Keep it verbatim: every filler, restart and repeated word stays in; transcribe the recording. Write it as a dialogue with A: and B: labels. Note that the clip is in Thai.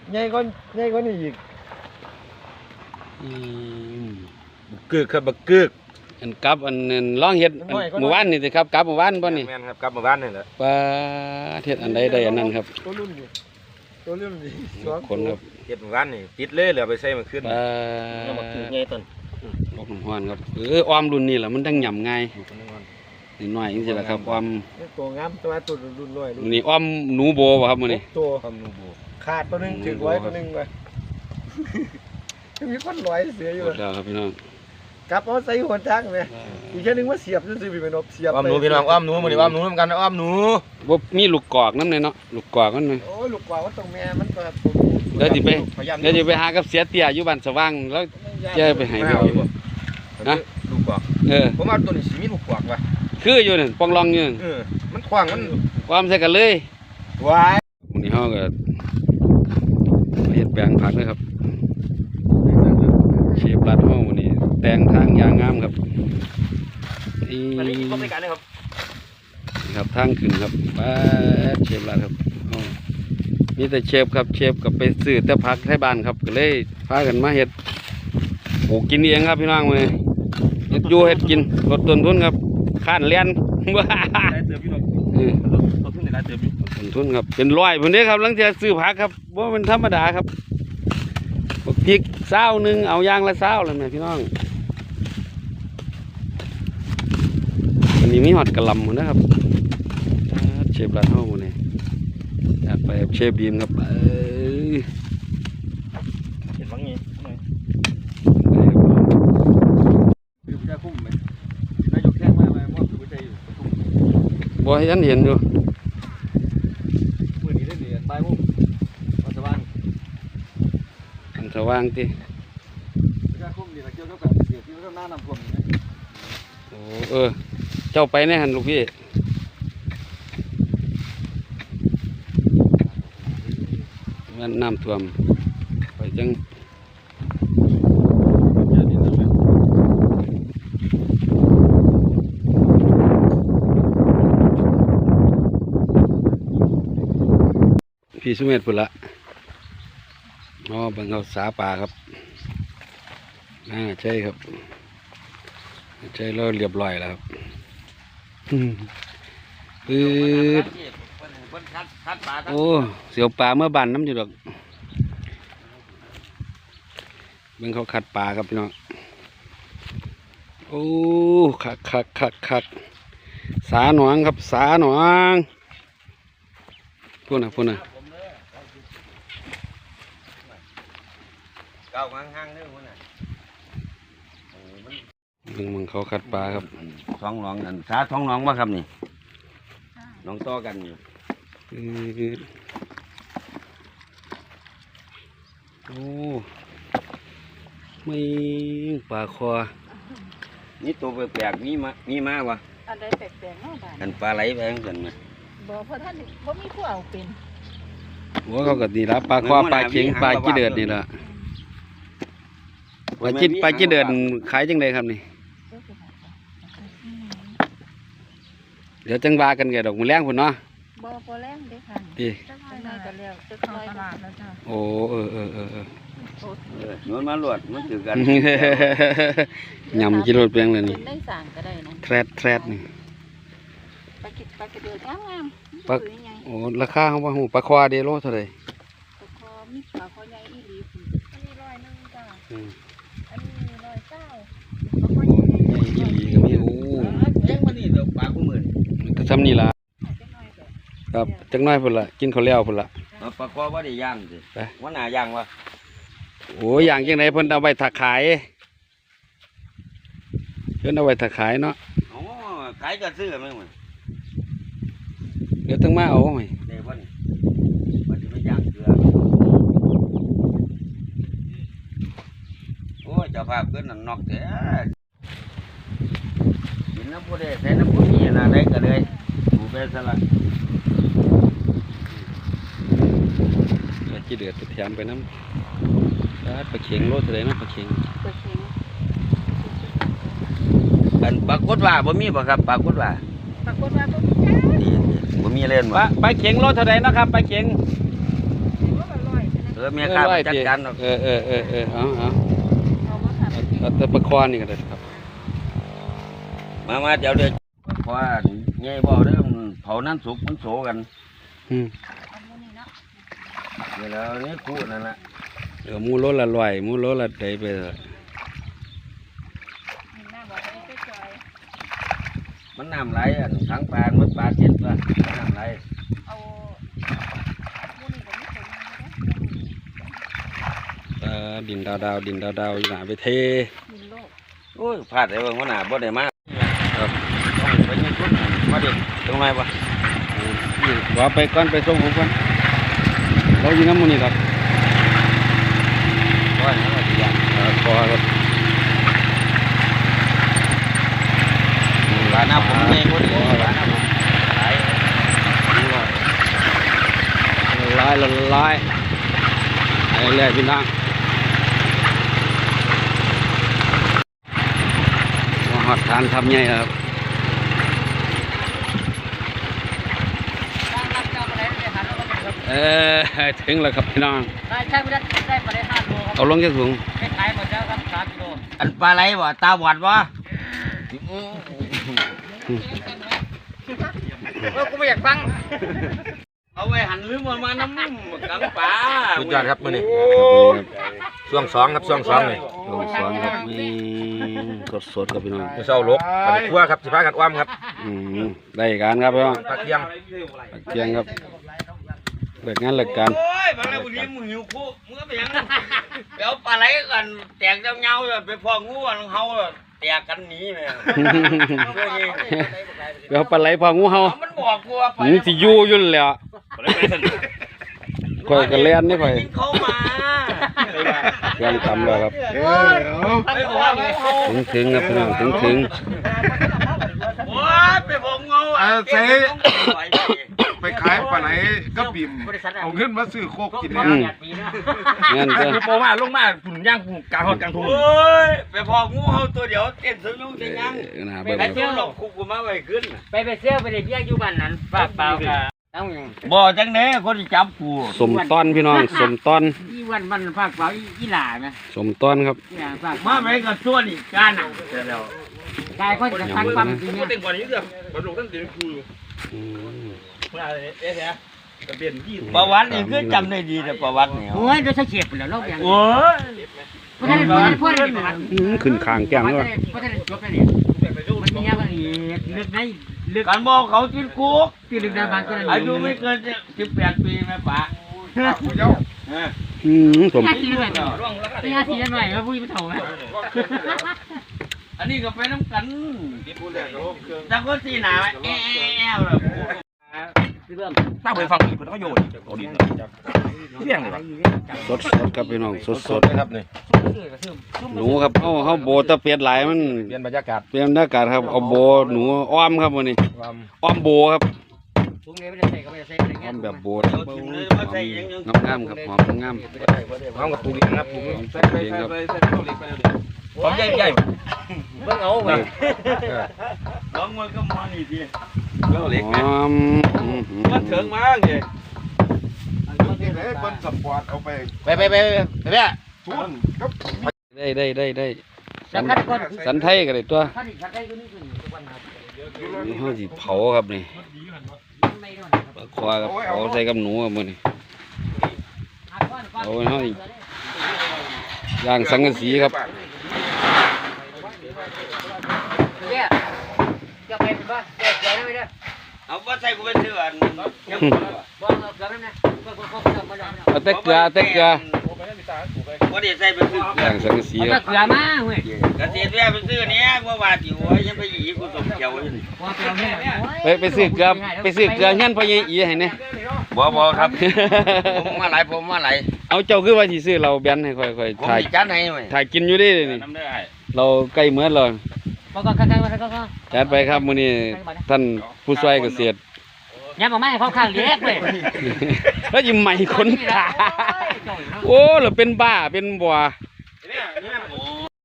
A: ใหญ่กว่าใหญ่กว่านี่อีก
B: บักกึกครับบักกึกอันกับอันนั้นร้องเฮ็ดหมู่บ้านนี่สิครับกับหมู่บ้านบ่นี่
C: แม่นครับกับหมู่บ้านนี่แหละ
B: ปลาเฮ็ดอันใดได้อันนั้นครับ
A: ตัวรุ่นนี่ตัวรุ่นนี่
B: สองคนครับ
C: เฮ็ดหมู่บ้านนี่ติดเลยเหลือไปใส่มาขึ้น
B: ปลา
C: บักกึกใหญ่ต้น
B: ลกน้ำฮ้อนครับเอออ้อมรุ่นนี้ล่ะมันจังหย่ำง่ายนิดหน่อยจังซี่ล่ะครับอ้อม
A: ตัวงามตัวตัวรุ่นน้อย
B: นี่อ้อมหนูโบบ่ครับมื้อนี้
A: ตัว
C: อ้อมหนูโบ
A: ขาดตัวนึงถึงร้อยตัวนึงไปมีคนร้อยเสียอยู่
B: แล้วครับพี่น้อง
A: กลับเอาใส่หัวจักมั้ยอีกแค่นึงว่าเสียบซื่อๆพี่แม่นบเสียบ
C: อ้อมหนูพี่น้องอ้อมหนูมื้อนี้อ้อมหนูนำกันอ้อมหนู
B: บ่มีลูกกอกนำเลยเนาะลูกกอกมัน
A: โอ้ยลูกกอกว่าตรงแม่มันก็
B: เดี๋ยวสิไปเดี๋ยวสิไปหากับเสียเตี้ยอยู่บ้านสว่างแล้วจะไปให้เอาอยู่
C: ฮะลูกกอก
B: เออ
C: ผมว่าตัวนี้สิมีลูกกอกว่ะ
B: คืออยู่นั่นปองรองอยู่
C: เออมันขว้างมัน
B: ความใส่กันเลย
C: ว้าย
B: มื้อนี้เฮาก็เฮ็ดแปลงผักเลยครับเชฟรัดห้องวันนี้แต่งทางยางงามครับนี่ครับครับทางขึ้นครับป้าเชฟรัดครับนี่แต่เชฟครับเชฟกับไปซื้อแต่ผักไทยบ้านครับก็เลยพากันมาเฮ็ดปลูกกินเองครับพี่น้องเลยเฮ็ดอยู่เฮ็ดกินลดต้นทุนครับข้านเลี้ยนว้า
C: ได้เติมพี่น้องต้นทุนได้เติมพี่
B: ต้นทุนครับเป็นร้อยพุ่นเด้ครับหลังจากซื้อผักครับว่าเป็นธรรมดาครับพริกเศร้าหนึ่งเอายางละเศร้าเลยแม่พี่น้องอันนี้มีหอดกระลำหมดนะครับเชฟร้านห้องนี่อยากไปเชฟบีมครับเออ
C: เห็นบ้างงี้คือจะคุ้มไหมนายกแจ้งมาไหมว่าคือจะอยู่
B: บ่ให้ฉันเห็นอยู่
C: มือนี้ได้เหรียญใบมุ้งอันสว่าง
B: อันสว่างที่
C: จะคุ้มดีนะเกี่ยวกับแบบเสียที่เราหน้านำท่วมนี่
B: โอ้เออเจ้าไปแน่หันลูกพี่มันน้ำท่วมไปจังพี่สุเมธพุ่นละอ๋อบังเขาสาป่าครับอ่าใช่ครับใช่เราเรียบร้อยแล้วครับปื๊ดโอ้เสียวปลาเมื่อบันน้ำอยู่ดอกบังเขาขัดปลาครับพี่น้องโอ้คักคักคักคักสาหนองครับสาหนองพูดนะพูดนะ
C: เก้าห้างๆเด้อพุ่นน่ะ
B: มึงมึงเขาขัดปลาครับ
C: ท้องหนองอันสาท้องหนองบ่ครับนี่หนองต่อกันอยู่
B: โอ้ไม่ปลาคอ
C: นี่ตัวแปลกๆมีมามีมาวะ
D: อันใดแปลกๆเนาะบ้าน
C: อันปลาไหลไปจังซั่นน่ะ
D: บ่เพราะท่านบ่มีผู้เอาเป็น
B: หัวเขาก็ดีละปลาคอปลาเข็งปลาขี้เดือดนี่ละปลาจิ้ปลาขี้เดือดขายจังไดครับนี่เดี๋ยวจังว่ากันแกดอกมือแรงพุ่นเนาะ
D: บ่พอแรงเด้ค่ะ
B: ดี
D: จังได๋ก็แล้วจักหน่อยตลาดแล้วจ้ะ
B: โอ้เออเออเออเออ
C: นวลมาลวดมันถือกัน
B: ยำกิโลเปียงเลยนี่
D: ได้สั่งก็ได้นะ
B: แทรดแทรดนี่
D: ปลากิดปลากระเดือกงามๆ
B: ปลาโอ้ราคาเขาว่าหูปลาควาเดโลเท่าไหร่
D: ปลาคอมีปลาคอใหญ่อีหลีอันนี้ร้อยนึงจ้ะอันนี้ร้อยเก้าปลาคอใหญ่
B: ๆอีหลีก็มีโอ้
C: แพงมานี่ดอกปลาคู่มื้อ
B: นี่ก็ซ้ำนี่ล่ะครับจังน้อยพุ่นละกินข้าวแล้วพุ่นละ
C: ปลาคอบ่ได้ย่างสิว่าหน้าย่างวะ
B: โอ้ย่างจังไดเพิ่นเอาไว้ถักขายเพิ่นเอาไว้ถักขายเนาะ
C: อ๋อขายก็ซื้อแม่นบ่
B: เดี๋ยวต้องมาเอาไหม
C: ได้บ่นี่บ่สิไปย่างเกลือโอ้ยเจ้าภาพเพิ่นนั่นนอกแท้กินน้ำผู้ใดใส่น้ำผู้นี้น่ะได้ก็เลยดูไปซะละ
B: ขี้เดือดแถมไปน้ำปลาเข็งโลดเลยนะปลาเข็ง
D: ปลาเข็ง
C: อันปลากดว่าบ่มีบ่ครับปลากดว่า
D: ปลากดว่าบ่มีจ้า
C: บ่มีเล่น
B: บ่ปลาเข็งโลเท่าไรนะครับปลาเข็ง
C: ร
E: อเมียข้าไปจัดการ
B: เออเออเออเออเอาเอา
D: เอามาค่ะ
B: เอาแต่ประคอนนี่ก็ได้ครับ
E: มามาเดี๋ยวเดี๋ยวเพราะว่าไงบอกเรื่องเผานั้นสุกมันโสกัน
B: อืม
D: เอาหมูนี่เนาะ
E: เดี๋ยวแล้วนี่คู่นั่นแหละ
B: เดี๋ยวหมูโลละร้อยหมูโลละใดไปเถอะ
D: นี่หน้าบอกจะได้จอย
E: มันน้ำไหลอ่ะทั้งปลามันปลาเจ็ดละน้ำไหล
D: เอาหมูนี่ก็ไม่เคยมาเลย
B: เออดินดาวดาวดินดาวดาวอยู่หนาไปเท
D: มินโลก
E: โอ้ยพลาดไอ้เบิ่งว่าหนาบ่ได้มาครับต้องไปยืนทุนมาเด็กตรงไหนวะ
B: นี่ว่าไปก่อนไปส่งผมก่อนเราอยู่น้ำหมูนี่ครับ
E: ว่าอย่างไรดีอ่ะ
B: เออพอครับ
E: ปลาหน้าผมไงคนนี้ปลาหน้าผมไหล
B: ละลายละลายไอ้แรกพี่น้องมาหอดทานทำไงครับเออถึงแล้วครับพี่น้อง
F: ได้ใช่ไม่ได้ได้ปลาได้ห้าโลครับ
B: เอาลงแค่สูง
F: ไม่ขายหมดแล้วครับสามกิโล
E: อันปลาไหลบ่ตาบอดบ่
F: เออกูไม่อยากฟัง
E: เอาไว้หันลืมมันมาน้ำกังปลา
C: สุดยอดครับมื้อนี้
B: ครับ
C: ช่วงสองครับช่วงสองนี่
B: ลงสอนครับนี่สดสดๆครับพี่น้อง
C: มื้อเช้าลกไปคั่วครับสิพากันอ้อมครับ
B: อืมได้การครับพี่น้อง
C: ปลาเคียง
B: ปักเกียงครับเลิกงานเลิกการ
E: โอ้ยบางแล้ววันนี้มึงหิวคู่มึงก็ไปยังไปเอาปลาไหลกันแตกเงาๆไปพองูกันเฮาแตกกันหนีแม่
B: เดี๋ยวปลาไหลพองูเห่า
E: มันบอกกูว่า
B: หนูสิอยู่อยุ่นแหล้วข่อยก็เล่นนี่ข่อย
E: เข้ามา
B: เครื่องทำแล้วครับ
E: ไปบอกงูเฮา
B: ถึงถึงครับพี่น้องถึงถึง
E: โอ้ยไปบอกงู
A: เออเจ๊
E: ไป
A: ไปขายปลาไหลก็บิ่มเอาเงินมาซื้อโคกกิน
B: อืมเงินก็
C: คือโปมาลงมาฝุ่นย่างฝุ่นกลางฮอดกลางทุ่ง
E: โอ้ยไปพองูเฮาตัวเดียวเต้นสนุกสยัง
B: เออนะ
E: ไป
B: เบิ่ง
E: เที่ยวหลอกคุกกูมาไว้ขึ้น
F: ไปไปเสื้อไปเด็กเบี้ยอยู่บ้านนั้นฝากเปล่ากับต้องอย่าง
E: บ่จังเด้คนที่จับกู
B: สมต้อนพี่น้องสมต้อน
F: อีวันมันฝากเปล่าอีหล่าไหม
B: สมต้อนครับ
F: อีหล่าฝาก
E: มาไปกับส่วนอีกการน่ะ
F: กายคนจะตั้งปั๊มจริง
C: ก็
F: เนี่ย
C: เต็มกว่านี้เด้อบ่ลงตั้งเดือนครูอยู่
B: อืม
C: เมื่ออะไรเอ๊ะแท้ก็เปลี่ยนยี่สิบ
E: ประวัตินี่คือจำได้ดีแต่ประวัตินี่
F: โอ้ยโดยใช้เฉียบแล้วรอบอย่าง
E: โอ้ย
F: เพราะฉะนั้นเพราะฉะนั้นเพราะฉะนั้น
B: อืมขึ้นคางแก้ม
F: เพ
B: ด้
F: ราะ
B: วย
F: ฉะนั้นจบแล้วเนี่ยมันมีอะไรลึกในลึก
E: การบอกเขาติดคุก
F: ที่ลึกในบางก็ได้
E: อายุไม่เกินสิบแปดปีแม่ป๋า
B: อืมสม
F: ห้าทีหน่อยนี่ห้าทีหน่อยแล้วพูดไม่ถูกไหม
E: อันนี้ก็ไปน้ำกันแต่ก็สีหนาแอ้วเลย
F: เรื่อง
C: ตั้งไปฟังอีกเพิ่นก็โยนเอาดินเที่ยงเลย
B: สดสดครับพี่น้องสดสด
C: ครับนี่
B: หนูครับเฮาเฮาโบตะเปียดหลายมัน
C: เปลี่ยนบรรยากาศ
B: เปลี่ยนบรรยากาศครับเอาโบหนูอ้อมครับวันนี้
C: ความ
B: อ้อมโบครับ
F: ถุงนี้ไม่ได้ใส่ก็ไม่ได้ใส่อะไร
B: อ้
F: เงี้
B: อย มแบบโบ
E: เดี๋ยวกินเลยมาใส่ยังยัง
B: งามๆครับหอมงาม
C: ความกับปลูกเองครับปลูกเองใส่ใส่ใส่ใส่ใส่เข้าเล็กไปเลยความใหญ่ใหญ่
F: เบิ่งเอาไป
E: น้องมันก็มานี่ที
C: เข้าเล็ก
B: หอม
C: มันเถิงมากเลย
A: เป็นสปอร์ตเอาไป
C: ไปไปไปไปเนี่ย
A: ทุนครับ
B: ได้ได้ได้ได้สัน
F: สันก่อน
B: สันไทยก็ได้ตัว
F: ถ้าดิฉันได้ก็นี่คือทุกวันครับ
B: เฮาสิเผาครับนี่
F: ไม่โดน
B: ปลาควากับเผาใส่กับหนูครับมื้อนี้เอาเฮาสิย่างสังกะสีครับ
F: เนี่ยจะไปเป็นบ้าเดี๋ยวเดี๋ยวไม่ได้
E: เอาว่าใส่กูไปเถื่อน
F: บอกเเกือบแล้วนะก็ก็ก็ไม่ได้
B: เอาแต่เกลือเอาแต่เกลือ
E: ว่าเดี๋ยวใส่ไปซื้อ
B: ย่างสังกะสี
F: เอา
B: ค
F: แต่
B: รับ
F: เกลือมาเว้ย
E: กระเทียมแม่ไปซื้อเนี้ยว่าว่าจิ๋วยังไปหยีกูสมเขียวอยู่
F: พอเกลือเนี่ย
B: ไปไปซื้อเกลือไปซื้อเกลือเฮียนพ่อใหญ่อีให้แน่
E: บ่บ่ครับผมมาหลายผมมาหลาย
B: เอาเจ้าคือว่าสิซื้อเราแบนให้ค่อย
E: ผม
B: ๆถ่าย
E: มีจัดให้ไหม
B: ถ่ายกินอยู่ดินี่
C: น้ำได้
B: เราใกล้เหมือนแล้ว
F: ก็ก็ก็ก็ก็ก็
B: จัดไปครับมื้อนี้ท่านผู้ช่วยเกษตร
F: ย้ำมาไม่ให้เขาข้างเล็กเว้ย
B: แล้วยิ้มใหม่คนขาโอ้เราเป็นบ้าเป็นบัว
C: เนี่ยเนี่ย